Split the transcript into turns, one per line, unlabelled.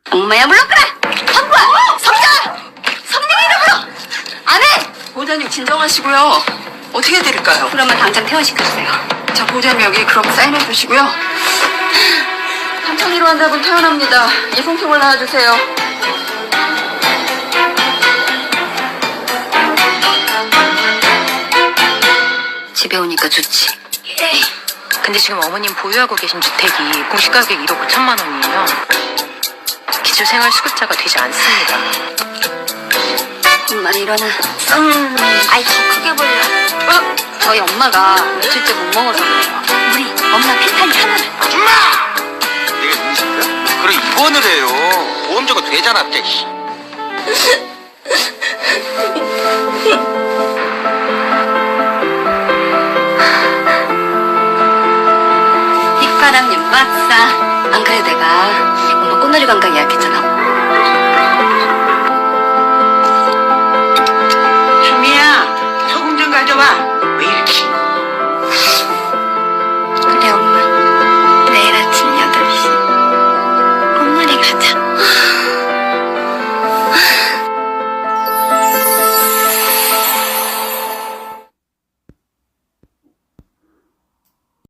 엄마야 불러끄라! 한부야! 성자! 성령이라 불러! 안 해!
보호자님 진정하시고요. 어떻게 해드릴까요?
그러면 당장 퇴원시켜주세요.
자, 보호자님 여기 그럼 사인해 주시고요. 삼천이로 환자분 퇴원합니다. 이송통을 나와주세요.
집에 오니까 좋지.
근데 지금 어머님 보유하고 계신 주택이 공시가격 1억 5천만 원이에요. 기초생활수급자가 되지 않습니다.
엄마 일어나. 아이 더 크게 볼래. 저희 엄마가 며칠째 못 먹어서 그래요. 우리 엄마 펜타니 하나만.
아줌마! 내가 인식이야? 그래 입원을 해요. 보험료가 되잖아, 씨.